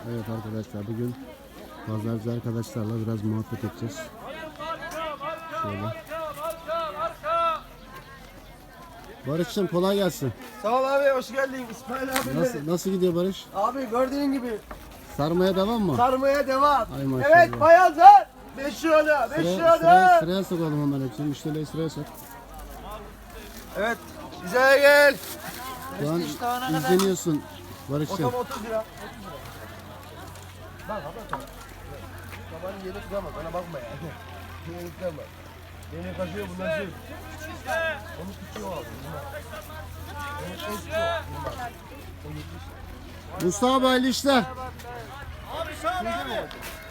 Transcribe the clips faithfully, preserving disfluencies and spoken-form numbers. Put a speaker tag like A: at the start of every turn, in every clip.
A: Evet arkadaşlar, bugün pazarcı arkadaşlarla biraz muhabbet edeceğiz. Şöyle. Barış'cığım kolay gelsin.
B: Sağ ol abi, hoş geldin İsmail abi.
A: Nasıl, nasıl gidiyor Barış?
B: Abi gördüğün gibi
A: Sarmaya devam mı?
B: sarmaya devam.
A: Ay maşallah.
B: Evet bayanlar. Beş lira, beş
A: Sıraya, sıraya,
B: lira.
A: sıraya sokalım hemen hepsini. Müşterileri sıraya sok.
B: Evet, bize gel.
A: Şu an izleniyorsun Barış'cığım.
B: Otom otuz lira. Bak abi tamam. Babanın yeri kırama, bana bakma ya. Yeri kırama. Beni kaçıyor bunlar şey. Onu tutuyor abi. Onu tutuyor. O yetmiş.
A: Mustafa hayırlı işler.
B: Abi sağ ol abi.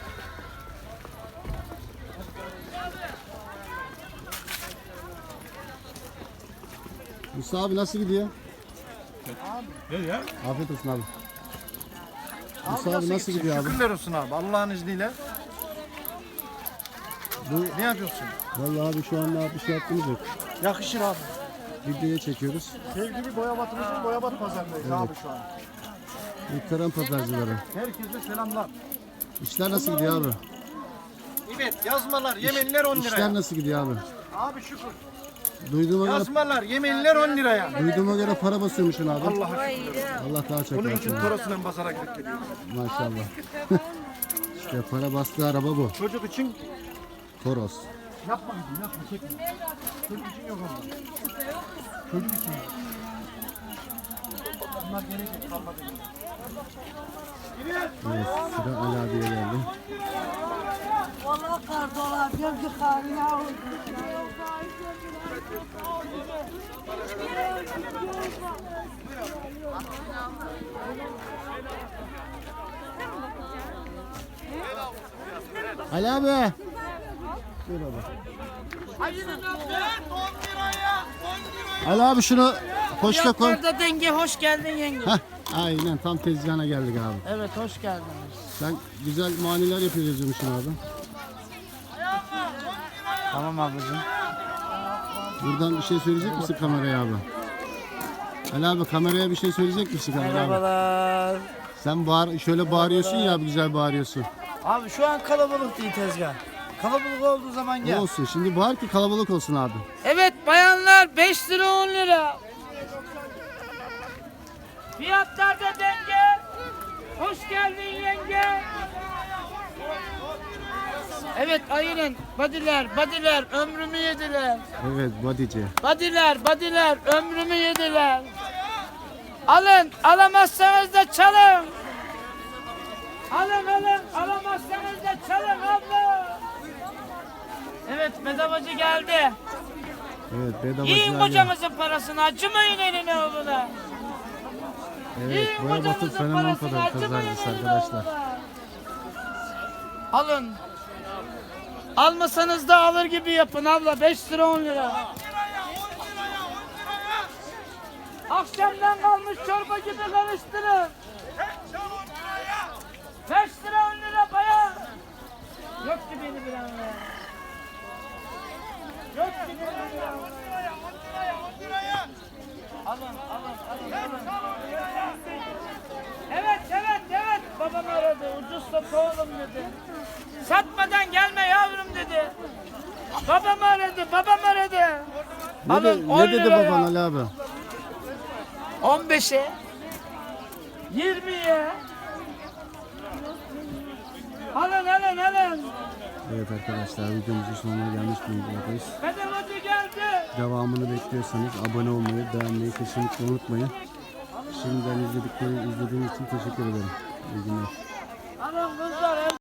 A: Mustafa abi nasıl gidiyor?
C: Ne ya?
A: Afiyet olsun abi. Mustafa abi nasıl gidiyor abi?
C: Şükürler olsun abi Allah'ın izniyle.
A: Bu,
C: Ne yapıyorsun?
A: vallahi abi şu anda bir şey yaptığımız yok.
C: Yakışır abi.
A: Videoya çekiyoruz.
C: Sevgili Boyabat'ımızın Boyabat pazarındayız
A: Evet.
C: abi şu an.
A: Muhterem pazarcıları.
C: Herkese selamlar.
A: İşler nasıl gidiyor abi?
C: Evet yazmalar, yemenler on
A: İşler
C: liraya.
A: nasıl gidiyor abi?
C: Abi şükür.
A: Duyduğuma göre,
C: Yazmalar, yemenler on liraya.
A: duyduğuma göre para basıyormuşsun abi.
C: Allah'a şükür.
A: Allah daha çok
C: Bunun için
A: versin.
C: torosuyla pazara gidip geliyoruz.
A: Maşallah. İşte para bastığı araba bu.
C: Çocuk için
A: Toros.
C: yapma gidin, yapma çekme. Çocuk için yok onlar. Çocuk için yok. Bunlar gelecek, kalmadı.
A: Evet, sıra Ali abiye geldi.
D: Vallahi kar dolar, bir kar ya.
A: Ali abi. Dur abi. Ali abi şunu poşta koy.
D: Burada denge hoş geldin yenge.
A: Heh, aynen tam tezgahına geldik abi.
D: Evet hoş geldiniz.
A: Sen güzel maniler yapıyorsun yazıyormuşsun abi.
D: Tamam ablacığım.
A: Buradan bir şey söyleyecek misin kameraya abi? Ali abi kameraya bir şey söyleyecek misin kameraya abi?
D: Merhabalar.
A: Sen bağır, şöyle bağırıyorsun ya abi, güzel bağırıyorsun.
D: Abi şu an kalabalık değil tezgah. Kalabalık olduğu zaman
A: Ne
D: gel.
A: olsun şimdi, bağır ki kalabalık olsun abi.
D: Evet bayanlar beş lira on lira. Fiyatlarda denge. Hoş geldin yenge. Evet aynen. Badiler, badiler ömrümü yediler.
A: Evet bodyci.
D: Badiler, badiler ömrümü yediler. Alın, alamazsanız da çalın. Alın, alın, alamazsanız da çalın abla. Evet, bedavacı geldi.
A: Evet bedavacı
D: Yiyin
A: Ali.
D: kocanızın parasını, acımayın eline oğluna.
A: Evet
D: Yiyin
A: Boya Batı
D: kocanızın
A: fenomen
D: parasını,
A: kadar
D: acımayın
A: pazarcısı
D: eline
A: arkadaşlar.
D: oğluna. Alın. Almasanız da alır gibi yapın abla, beş lira on lira. Akşamdan kalmış çorba gibi karıştırın. beş lira on lira bayan. Yok gibi beni bir an. Yok gibi beni bir an. Alın, alın, alın, alın. Evet, evet, evet. Babam aradı. Ucuz sat oğlum dedi. Satmadan gelme yavrum dedi. Babam aradı, babam aradı.
A: Ne,
D: Alın,
A: de,
D: on
A: ne dedi
D: liraya.
A: baban Ali abi?
D: on beşe, yirmiye. Alın, alın, alın.
A: Evet arkadaşlar, videomuzun sonuna gelmiş bulunmaktayız.
D: Bedavacı geldi.
A: Devamını bekliyorsanız abone olmayı, beğenmeyi kesinlikle unutmayın. Şimdiden izledikleri, izlediğiniz için teşekkür ederim. İyi günler.
D: Alın kızlar.